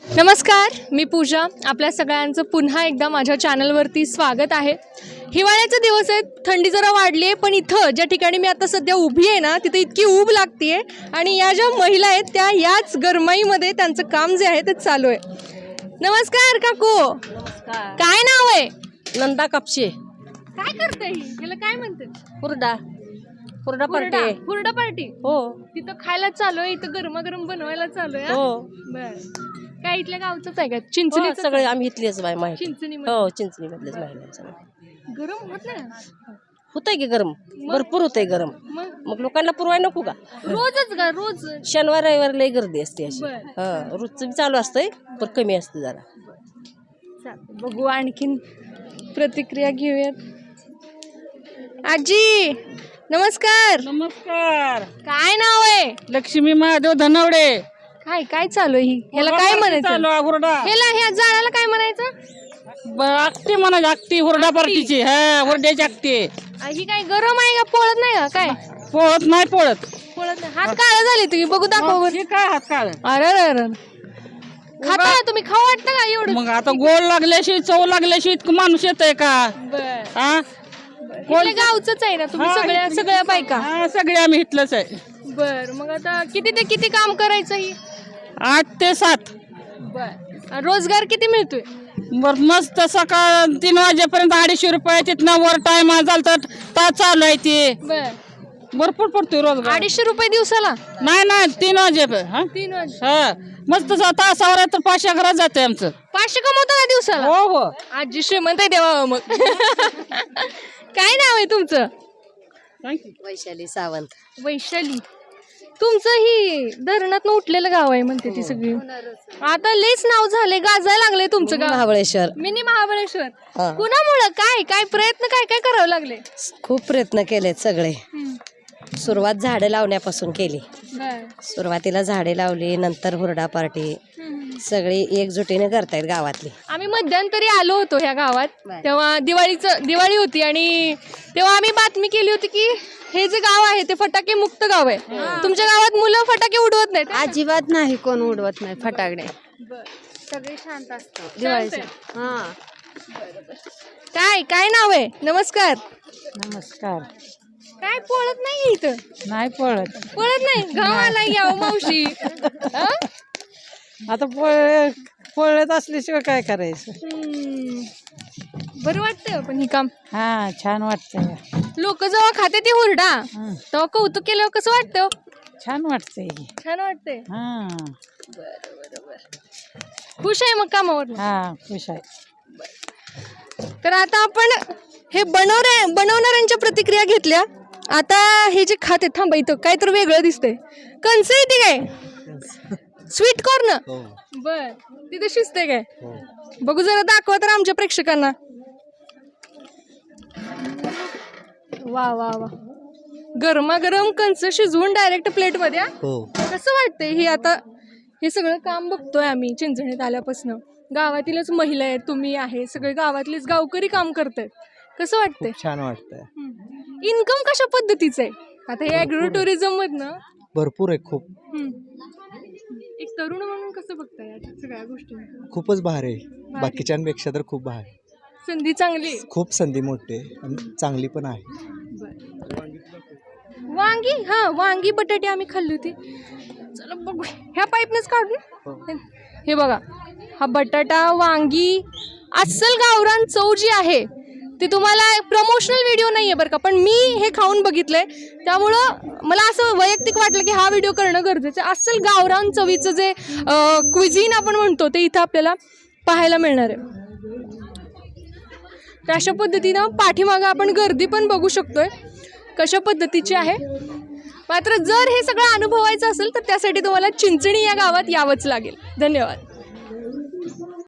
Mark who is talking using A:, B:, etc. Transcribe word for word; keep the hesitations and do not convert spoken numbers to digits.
A: नमस्कार, मी पूजा. आपल्या सगळ्यांचं पुन्हा एकदा माझ्या चॅनलवरती स्वागत आहे. हिवाळ्याचे दिवस आहेत, थंडी जरा वाढली आहे, पण इथं ज्या ठिकाणी मी आता सध्या उभी आहे ना, तिथे इतकी ऊब लागते आहे आणि या ज्या महिला आहेत त्या याच गरमाईमध्ये त्यांचं काम जे आहे ते चालू आहे. नमस्कार काकू.
B: नमस्कार.
A: काय नाव आहे?
B: नंदा कापशे.
A: काय करताय? याला काय म्हणतात?
B: हुरडा हुरडा
A: हुरडा
B: पार्टी.
A: हुरडा पार्टी.
B: हो
A: तिथं खायला चालू आहे, इथं गरमागरम बनवायला चालू आहे.
B: हो
A: बर. काय इथल्या गावचंच आहे का?
B: हो,
A: चिंचणी
B: सगळे आम्ही इथलेच बाय माहिती.
A: चिंचणी
B: हो चिंचणी मधलेच महिला सगळे.
A: गरम होत नाही
B: होतंय की गरम, भरपूर होतंय गरम.
A: मग
B: मग लोकांना पुरवाय नको का?
A: रोजच का? रोज.
B: शनिवार रविवार लई गर्दी असते अशी.
A: बर.
B: हा रोजचं बी चालू असतंय पण कमी असतं जरा.
A: चालतंय, बघू आणखीन प्रतिक्रिया घेऊयात. आजी नमस्कार.
C: नमस्कार.
A: काय नाव आहे?
C: लक्ष्मी महादेव धनवडे.
A: काय काय चालू आहे ही? ह्याला काय म्हणायचं?
C: चालू आहे हुरडा.
A: ह्याला ह्या झाडाला काय म्हणायचं?
C: ब- आकटी म्हणा आकटी हुरडा पार्टीची. हा हुरड्याची आकटी.
A: आ, ही काय गरम आहे का? पोळत नाही का? काय
C: पोळत नाही पोळत.
A: पोळत नाही. हात काळा झाले तुम्ही, बघू दाखव बरं.
C: हे काय हात काळ.
A: अरे अरे अरे खाता ना तुम्ही? खाऊ वाटतं का एवढं?
C: मग आता गोड लागल्याशी चव लागल्याशी इतकं माणूस येतंय का?
A: बर.
C: हा
A: इथल्या गावचंच आहे ना तुम्ही?
C: हा,
A: सगळ्या सगळ्या बायका.
C: हा सगळे आम्ही इथलंच आहे.
A: बर. मग आता किती ते किती काम करायचं ही?
C: आठ ते सात.
A: बर. रोजगार किती मिळतोय?
C: बर मस्त सकाळ तीन वाजेपर्यंत अडीचशे रुपये तिथनं वर टाइम झाला तर तास चालू आहे ते.
A: बर.
C: भरपूर पडतोय रोजगार.
A: अडीचशे रुपये दिवसाला?
C: नाही नाही तीन वाजेपर्यंत. हा
A: तीन वाजता.
C: हा मस्त तासावर आहे तर पाचशे घरात जाते आमचं.
A: पाचशे कमवतो का दिवसाला?
C: हो हो.
A: आजी श्रीमंत आहे देवा. मग काय नाव आहे तुमचं?
B: वैशाली सावंत.
A: वैशाली. तुमचं ही धरणात उठलेलं गाव आहे म्हणते ती सगळी. आता लयच नाव झाले, गाजायला लागले तुमचं गाव.
B: महाबळेश्वर.
A: मिनी महाबळेश्वर.
B: हा.
A: कुणामुळं? काय काय प्रयत्न काय काय करावं लागले?
B: खूप प्रयत्न केलेत सगळे. सुरुवात झाडं लावण्यापासून केली.
A: बर.
B: सुरुवातीला झाडे लावली, नंतर हुरडा पार्टी. सगळी एकजुटीने करतायत गावातली.
A: आम्ही मध्यंतरी आलो होतो ह्या गावात, तेव्हा दिवाळीचं दिवाळी होती आणि तेव्हा आम्ही बातमी केली होती की हे जे गाव आहे ते फटाके मुक्त गाव आहे. तुमच्या गावात मुलं फटाके उडवत नाहीत?
D: अजिबात नाही, कोण उडवत नाही फटाकडे.
A: सगळे शांत असतात
D: दिवाळीचे. हा.
A: काय काय नाव आहे? नमस्कार.
C: नमस्कार.
A: काय पळत नाही इथं?
C: नाही पळत.
A: पळत नाही? गावाला यावं मावशी. हा?
C: आता पोळ पोळत असल्याशिवाय काय करायचं.
A: हम्म. बरं वाटतं पण ही काम.
C: हा छान वाटतंय.
A: लोक जेव्हा खाते ती हुरडा तेव्हा कौतुक केल्यावर कसं वाटतं?
C: छान वाटतंय.
A: छान वाटतंय.
C: हा
A: खुश आहे मग कामावर?
C: हा खुश आहे.
A: तर आता आपण हे बनवण्या बनवणाऱ्यांच्या प्रतिक्रिया घेतल्या. आता हे जे खाते, थांबा इथं काय तर वेगळं दिसतंय. कंस येते काय? Sweet corn. बर. तिथे शिजते काय? बघू जरा, दाखवा तर आमच्या प्रेक्षकांना. वा वा वा. गरमागरम कंस शिजवून डायरेक्ट प्लेट मध्ये. कसं वाटतंय हे? आता हे सगळं काम बघतोय आम्ही चिंचणीत आल्यापासून. गावातीलच महिला आहेत, तुम्ही आहे, सगळे गावातलेच गावकरी काम करतायत. कसं वाटतंय?
E: छान वाटतंय.
A: इन्कम कशा पद्धतीचं आहे आता हे ॲग्रो टुरिझम मधनं?
E: भरपूर आहे खूप.
A: एक तरुण म्हणून कसं बघताय या सगळ्या गोष्टी?
E: खूपच भारी आहे, बाकीच्यांपेक्षा तर खूप भारी.
A: संधी चांगली,
E: खूप संधी मोठी आहे आणि चांगली पण आहे.
A: वांगी. हा वांगी बटाटे आम्ही खाल्ली होती. चला बघू, ह्या पाईपनेच काढून. हे बघा, हा बटाटा, वांगी, अस्सल गावरान चव जी आहे ती तुम्हाला प्रमोशनल व्हिडिओ नाही आहे बरं का, पण मी हे खाऊन बघितलंय त्यामुळं मला असं वैयक्तिक वाटलं की हा व्हिडिओ करणं गरजेचं आहे. अस्सल गावरान चवीचं जे क्विझिन आपण म्हणतो ते इथं आपल्याला पाहायला मिळणार आहे. तर अशा पद्धतीनं पाठीमागं आपण गर्दी पण बघू शकतोय कशा पद्धतीची आहे. मात्र जर हे सगळं अनुभवायचं असेल तर त्यासाठी तुम्हाला चिंचणी या गावात यावंच लागेल. धन्यवाद.